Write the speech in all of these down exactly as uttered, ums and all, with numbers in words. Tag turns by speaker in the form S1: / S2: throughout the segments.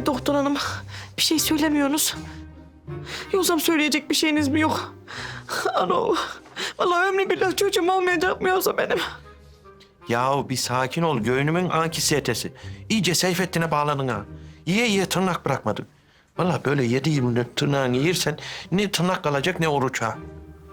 S1: Ee, doktor hanım, bir şey söylemiyorsunuz. Yoksa söyleyecek bir şeyiniz mi yok? Ano, vallahi ömrü billah çocuğum olmayacak mı yoksa benim?
S2: Yahu bir sakin ol. Göğnümün anksiyetesi. İyice Seyfettin'e bağladın ha. Yiye yiye tırnak bırakmadın. Vallahi böyle yedi yirmi dört tırnağını yersen ne tırnak kalacak ne oruç ha.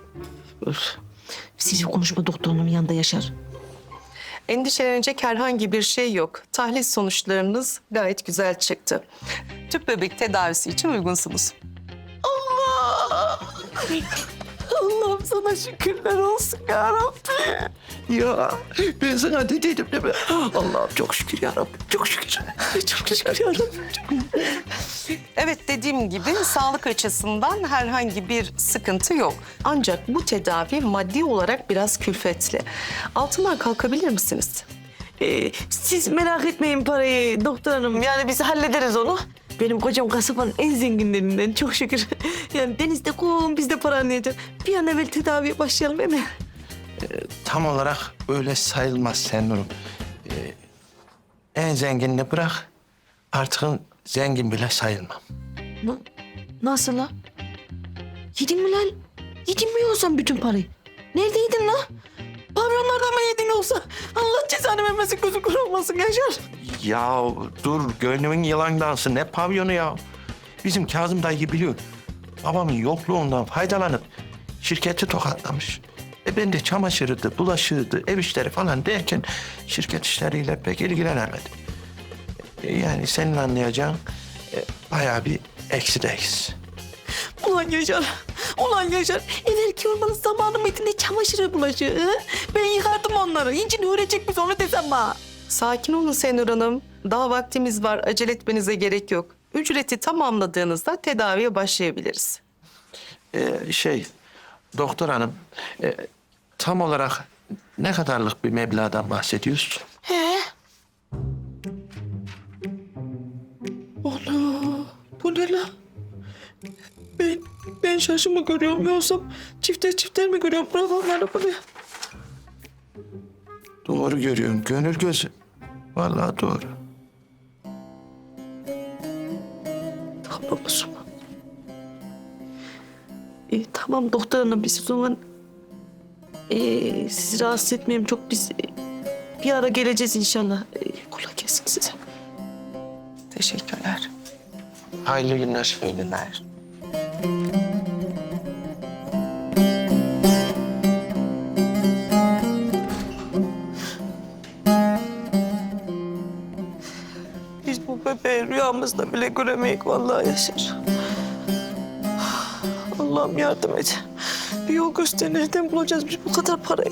S1: Siz konuşma doktor hanımın yanında Yaşar.
S3: Endişelenecek herhangi bir şey yok. Tahlil sonuçlarınız gayet güzel çıktı. Tüp bebek tedavisi için uygunsunuz.
S1: Allah! Allah'ım sana şükürler olsun ya Rabbi.
S2: Ya ben sana dediydim değil mi? Allah'ım çok şükür ya Rabbi. Çok şükür.
S1: Çok şükür ya Rabbi.
S3: Evet, dediğim gibi sağlık açısından herhangi bir sıkıntı yok. Ancak bu tedavi maddi olarak biraz külfetli. Altından kalkabilir misiniz?
S1: Ee, siz merak etmeyin parayı doktor hanım. Yani biz hallederiz onu. Benim kocam kasabanın en zenginlerinden çok şükür. Yani denizde kum, biz de para anlayacak. Bir an evvel tedaviye başlayalım değil mi?
S2: Tam olarak öyle sayılmaz Senur'um. Ee, en zenginini bırak. Artık zengin bile sayılmam.
S1: Na- nasıl la? Yedin mi lan? Yedin mi yoksa bütün parayı? Nerede yedin la? Pavyonlarda mı yedin yoksa? Allah cezanı vermesin, gözü kör olmasın Yaşar.
S2: Ya dur, gönlümün yılan dansı ne pavyonu ya. Bizim Kazım dayı biliyor. Babamın yokluğundan faydalanıp şirketi tokatlamış. E ben de çamaşırıydı, bulaşığıydı, ev işleri falan derken şirket işleriyle pek ilgilenemedim. E yani senin anlayacağın e, bayağı bir eksideyiz.
S1: Ulan Yaşar, ulan Yaşar. Evvelki olmanın zamanı mıydı ne çamaşırı bulaşığı? hı? Ben yıkardım onları. İncini öğrenecek misin onu desem bana.
S3: Sakin olun Senur Hanım. Daha vaktimiz var. Acele etmenize gerek yok. Ücreti tamamladığınızda tedaviye başlayabiliriz.
S2: E, şey, doktor hanım, e, tam olarak ne kadarlık bir meblağdan bahsediyoruz?
S1: He? Ana, bu ne lan? Ben, ben şaşı mı görüyorum yoksa çifter çifter mi görüyorum? Bırak onları buraya.
S2: Doğru görüyorsun, gönül gözü. Vallahi doğru.
S1: Tamam o zaman. E, tamam doktor hanım, biz o zaman e, sizi rahatsız etmeyeyim çok, biz e, bir ara geleceğiz inşallah. E, kolay gelsin size.
S3: Teşekkürler.
S2: Hayırlı günler.
S3: İyi günler.
S1: Biz bu bebeği rüyamızda bile göremeyik vallahi Yaşar. Allah'ım yardım et. Bir yol göster, nereden bulacağız biz bu kadar parayı?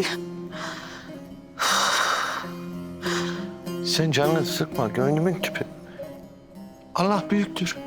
S2: Sen canını sıkma, gönlümün tüpü. Allah büyüktür.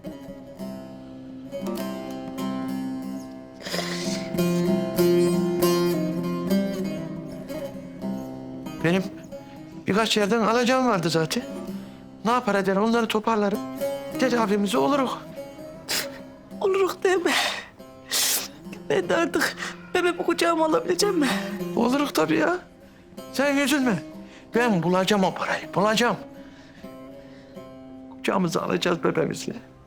S2: Benim birkaç yerden alacağım vardı zaten. Ne yapar eder onları toparlarım. Tedavimize oluruz.
S1: Oluruk değil mi? Ben de artık bebeği kucağıma alabileceğim mi?
S2: Oluruz tabii ya. Sen üzülme. Ben bulacağım o parayı, bulacağım. Kucağımıza alacağız bebeğimizle.